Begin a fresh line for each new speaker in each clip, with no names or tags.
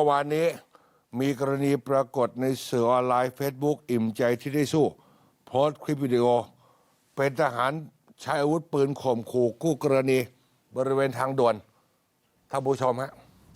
วานนี้มีกรณีปรากฏในสื่อออนไลน์ Facebook อิ่มใจที่ได้สู้โพสต์คลิปวิดีโอเป็นทหารใช้อาวุธปืนข่มขู่คู่กรณีบริเวณทางด่วนท่านผู้ชมฮะ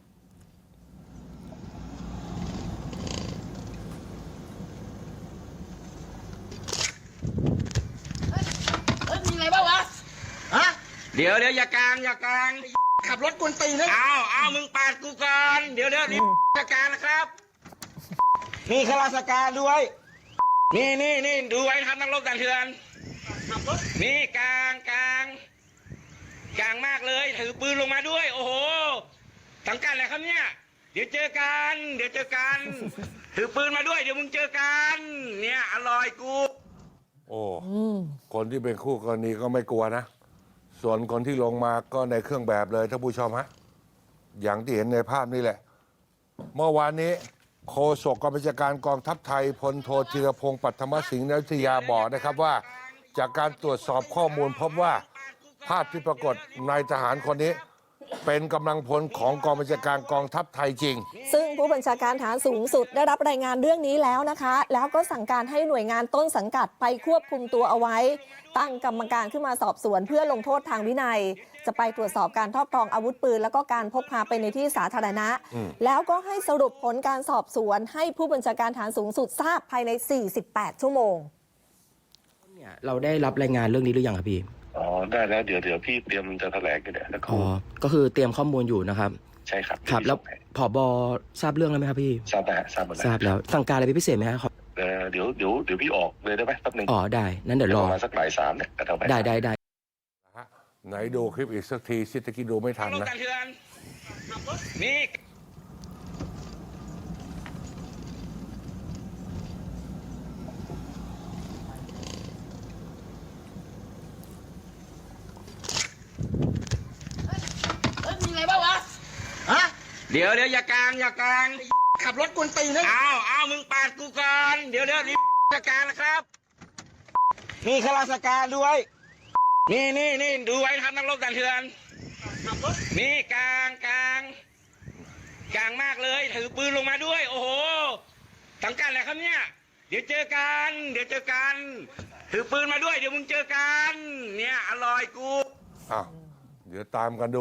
มีอะไรบ้างวะฮะ
เดี๋ยวอย่ากลาง
ขับรถกวนตีนนะ
เอามึงปาดกูก่อนเดี๋ยวนี่ราชการนะครับนี่ข้าราชการด้วยนี่ดูไว้ครับนักรบด่านเถื่อนนี่กลางมากเลยถือปืนลงมาด้วยโอ้โหสังกัดอะไรครับเนี่ยเดี๋ยวเจอกันถือปืนมาด้วยเดี๋ยวมึงเจอกันเนี่ยอร่อยกู
โอ้คนที่เป็นคู่กรณีก็ไม่กลัวนะส่วนคนที่ลงมาก็ในเครื่องแบบเลยท่านผู้ชมฮะอย่างที่เห็นในภาพนี่แหละเมื่อวานนี้โฆษกกองบัญชาการกองทัพไทยพลโทธีรพงศ์ปัทมสิงห์นวิทยาบอกนะครับว่าจากการตรวจสอบข้อมูลพบว่าภาพที่ปรากฏนายทหารคนนี้เป็นกำลังพลของกองบัญชาการกองทัพไทยจริง
ซึ่งผู้บัญชาการฐานสูงสุดได้รับรายงานเรื่องนี้แล้วนะคะแล้วก็สั่งการให้หน่วยงานต้นสังกัดไปควบคุมตัวเอาไว้ตั้งกรรมการขึ้นมาสอบสวนเพื่อลงโทษทางวินัยจะไปตรวจสอบการครอบครองอาวุธปืนแล้วก็การพกพาไปในที่สาธารณะแล้วก็ให้สรุปผลการสอบสวนให้ผู้บัญชาการฐานสูงสุดทราบภายใน48ชั่วโมง
เนี่ยเราได้รับรายงานเรื่องนี้หรือยังครับพี่
อ๋อได้แล้วเดี๋ยวพี่เตรียมจะแถลงกันเนี่ย
อ๋อก็คือเตรียมข้อมูลอยู่นะครับ
ใช่ครับ
ครับแล้วผบ.ทราบเรื่องแล้วไหมครับพี่
ทราบแล้วทราบหมดแล้ว
ทราบแล้วสั่งการอะไรพิเศษไหมครับ
เดี๋ยวพี่ออกเลยได้ไหมแป๊บนึง
อ๋อได้นั้นเดี๋ยวรอ
ประมาณสักบ่าย 3เนี่ย
ได้
ไหนดูคลิปอีกสักทีสิตะกี้ดูไม่ทันนะ
นี่
มีอะไรบ้างวะฮะ
เดี๋ยวอย่ากลาง
ขับรถกวนตีนนะ
เอามึงปาดกูก่อนเดี๋ยวนี่ราชการนะครับนี่ข้าราชการด้วยนี่ดูไว้ครับนักรบด่านเถื่อนนี่กลางมากเลยถือปืนลงมาด้วยโอ้โหสังกัดอะไรครับเนี่ยเดี๋ยวเจอกันถือปืนมาด้วยเดี๋ยวมึงเจอกันเนี่ยอร่อยกู
อ้าวเดี๋ยวตามกันดู